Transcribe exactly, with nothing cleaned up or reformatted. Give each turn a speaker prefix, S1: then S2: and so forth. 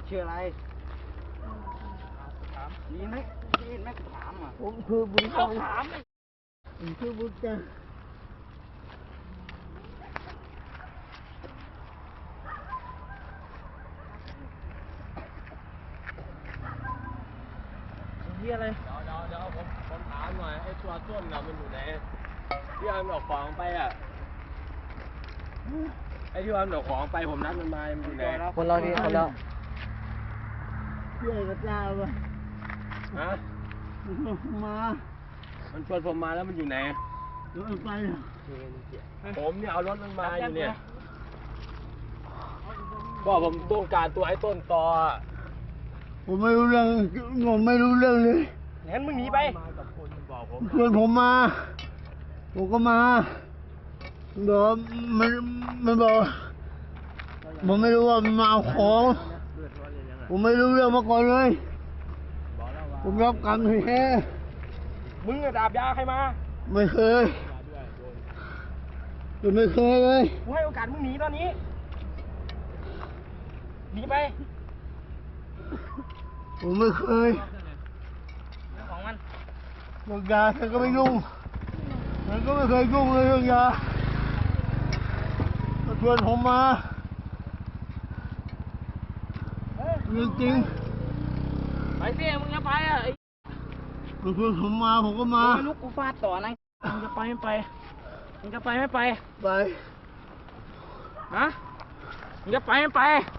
S1: ชื่ออะไรนี่ไหมนี่ไหมถามอ่ะผมคือบุญถามผมคือบุญจันนี่อะไร
S2: เดี๋ยวเดี๋ยวเดี๋ยวผมผมถามหน่อยไอ้ตัวต้นเรามันอยู่ไหนที่เอาดอกของไปอ่ะไอ้ที่เอาดอกของไปผมนัดมันมามันอยู่ไหน
S1: คนเราดีคนเราเชื่อกับเจ้าป่ะ
S2: ฮะ
S1: มา
S2: มันชวนผมมาแล้วมันอยู่ไหน
S1: รถไป
S2: ผมเนี่ยเอารถมันมาอยู่เนี่ยก็ผมต้องการตัวไอ้ต้นตอ
S1: ผมไม่รู้เรื่องผมไม่รู้เรื่องเลย
S2: งั้นมึงหนีไป
S1: ชวนผมมาผมก็มาบอกมันมันบอกผมไม่รู้ว่ามันมาเอาของผมไม่รู้เรื่องมาก่อนเลยผมรับกรรมแท้
S2: มึงอะดาบยาใครมา
S1: ไม่เคยผมไม่เคยเลย
S2: กูให้โอกาสมึงหนีตอนนี้หนีไป
S1: ผมไม่เคย
S2: ของมัน
S1: เรื่องยาฉันก็ไม่ยุ่งฉันก็ไม่เคยยุ่งเลยเรื่องยาชวนผมมาเรื่องจริง
S2: ไปเสียมึงจะไปอ่ะ
S1: ชวนผมมาผมก็มา
S2: ลูกกูฟาดต่อนะมึงจะไปไม่ไปมึงจะไปไม่ไป
S1: ไป
S2: ฮะมึงจะไปไม่ไป